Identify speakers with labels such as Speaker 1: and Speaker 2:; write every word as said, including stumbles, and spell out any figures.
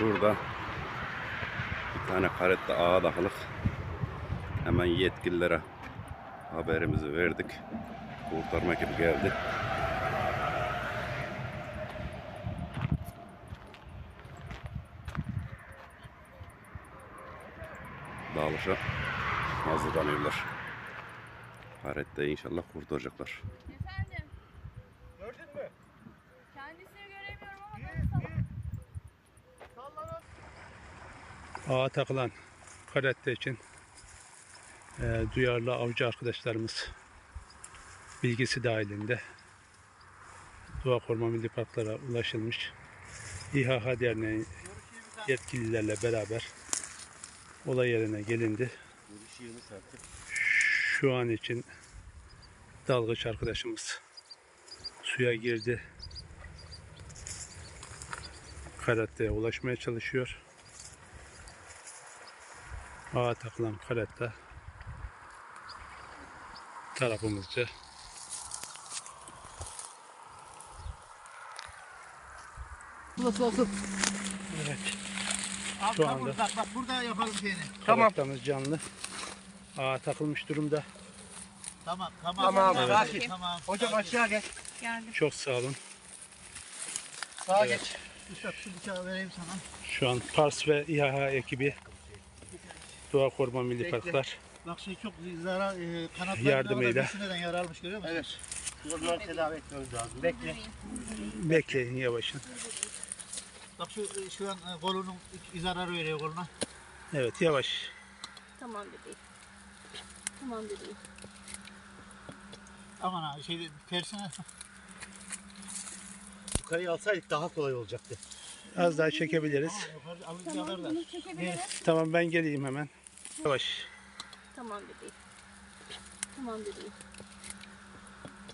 Speaker 1: Şurada bir tane karette ağa takılık. Hemen yetkililere haberimizi verdik. Kurtarma ekibi geldi. Dağılışa hazırlanıyorlar. Karette inşallah kurtaracaklar.
Speaker 2: Efendim?
Speaker 3: Gördün mü?
Speaker 2: Kendisini göremiyorum ama ben
Speaker 3: Sallanan.
Speaker 4: Ağa takılan karette için e, duyarlı avcı arkadaşlarımız bilgisi dahilinde Doğa Koruma Milli Parklara ulaşılmış. İHH Derneği yetkililerle beraber olay yerine gelindi. Şu an için dalgıç arkadaşımız suya girdi. Karetteye ulaşmaya çalışıyor. Ağa takılan karette tarafımızca
Speaker 3: Nasıl olsun?
Speaker 4: evet.
Speaker 3: Abi,
Speaker 4: Şu
Speaker 3: tamam,
Speaker 4: anda-
Speaker 3: bak, bak burada yapalım şeyini.
Speaker 4: Karettamız canlı. Ağa takılmış durumda.
Speaker 3: Tamam tamam.
Speaker 2: Tamam,
Speaker 3: Tamam.
Speaker 2: evet.
Speaker 3: Tamam.
Speaker 5: Hocam aşağı gel.
Speaker 2: geldim.
Speaker 4: Çok sağ olun.
Speaker 5: Sağa
Speaker 4: Evet.
Speaker 5: geç.
Speaker 3: Üstad şu bıçağı vereyim sana.
Speaker 4: Şu an Pars ve İHH ekibi Doğa Koruma Milli
Speaker 5: Bekle.
Speaker 4: Parklar
Speaker 3: Bak şey çok zarar e, kanatlarına
Speaker 4: Yardımıyla.
Speaker 3: neden yaralmış görüyor musun?
Speaker 5: Evet. Bunları tedavi etmemiz lazım. Bekle.
Speaker 4: bekleyin yavaşın.
Speaker 3: Bak şu e, şu an e, kolunun zarar veriyor koluna.
Speaker 4: Evet yavaş.
Speaker 2: Tamam bebeğim. Tamam bebeğim.
Speaker 3: Aman abi şey tersine.
Speaker 5: Yukarıya alsaydık daha kolay olacaktı.
Speaker 4: Az daha çekebiliriz.
Speaker 3: Yukarı alınca
Speaker 2: Tamam
Speaker 3: kadar da.
Speaker 2: bunu çekebiliriz.
Speaker 4: Tamam ben geleyim hemen. Yavaş.
Speaker 2: Tamam bebeğim. Tamam bebeğim.